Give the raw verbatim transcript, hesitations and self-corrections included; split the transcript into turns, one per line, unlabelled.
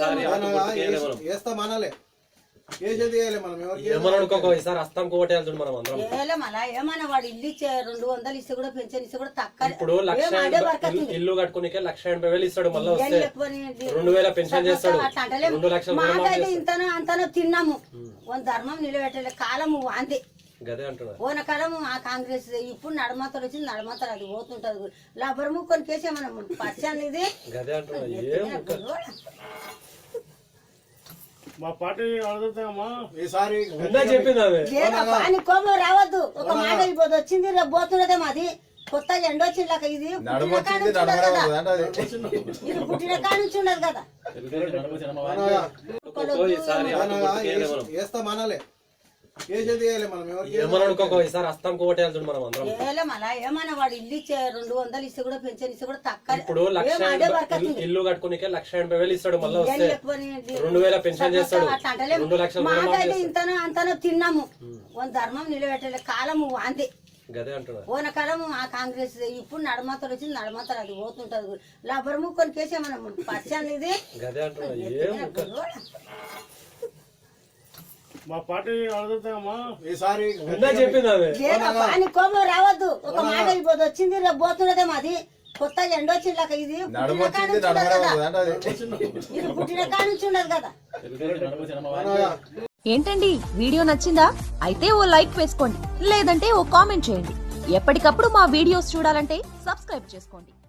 వేస్తాం అనాలే కేసేది మనం
ఏమనుకోక ఈసారి అస్తాం కోటేయాల్సింది మనం అందరం.
ఏమన్నా వాడు ఇల్లు ఇచ్చే రెండు వందలు ఇస్తే కూడా పెన్షన్ ఇస్తే కూడా తక్కువ.
ఇప్పుడు లక్ష ఇల్లు కట్టుకునే లక్ష ఎనభై వేలు ఇస్తాడు, మళ్ళీ వస్తే రెండు వేల పెన్షన్ చేస్తాడు. రెండు లక్షలు
మాకైతే ఇంతనో అంతనో తిన్నాము. ధర్మం నిలబెట్టలే కాలము అంతే.
గదే అంటున్నారు
పోన కాలం ఆ కాంగ్రెస్ ఇప్పుడు నడమతలు వచ్చింది, నడమతలు అది పోతుంటది. లబ్బర్ ముక్కొని కేసే మనం పచ్చాను ఇది.
గదే అంటున్నారు.
మా పార్టీ అడుగుతామా
ఈసారి
అని కోపం రావద్దు. ఒక మాట అయిపోతుంది, వచ్చింది రేపు పోతున్నదే మాది. కొత్త ఎండ వచ్చింది ఇది ఇది పుట్టిన కాడ నుంచి ఉండదు కదా.
వేస్తాం అనాలే కేసేది మనం
ఏమనుకోక ఈసారి అస్తాం కోటేయాల్సింది మనం అందరం.
ఏమన్నా వాడు ఇల్లు ఇచ్చే రెండు వందలు ఇస్తే కూడా పెన్షన్ ఇస్తే కూడా తక్కువ.
ఇప్పుడు లక్ష ఇల్లు కట్టుకునే లక్ష ఎనభై వేలు ఇస్తాడు, మళ్ళీ వస్తే రెండు వేల పెన్షన్ చేస్తాడు. రెండు లక్షలు
మాకైతే ఇంతనో అంతనో తిన్నాము. ధర్మం నిలబెట్టలే కాలము అంతే.
గదే అంటున్నారు
పోన కాలం ఆ కాంగ్రెస్ ఇప్పుడు నడమతలు వచ్చింది, నడమతలు అది పోతుంటది. లబ్బర్ ముక్కొని కేసే మనం పచ్చాను ఇది.
గదే అంటున్నారు.
మా పార్టీ అడుగుతామా
ఈసారి
అని కోపం రావద్దు. ఒక మాట అయిపోతుంది, వచ్చింది రేపు పోతున్నదే మాది. కొత్త ఎండ వచ్చింది ఇది ఇది పుట్టిన కాడ నుంచి ఉండదు కదా.
ఏంటండి వీడియో నచ్చిందా? అయితే ఓ లైక్ వేసుకోండి, లేదంటే ఓ కామెంట్ చేయండి. ఎప్పటికప్పుడు మా వీడియోస్ చూడాలంటే సబ్స్క్రైబ్ చేసుకోండి.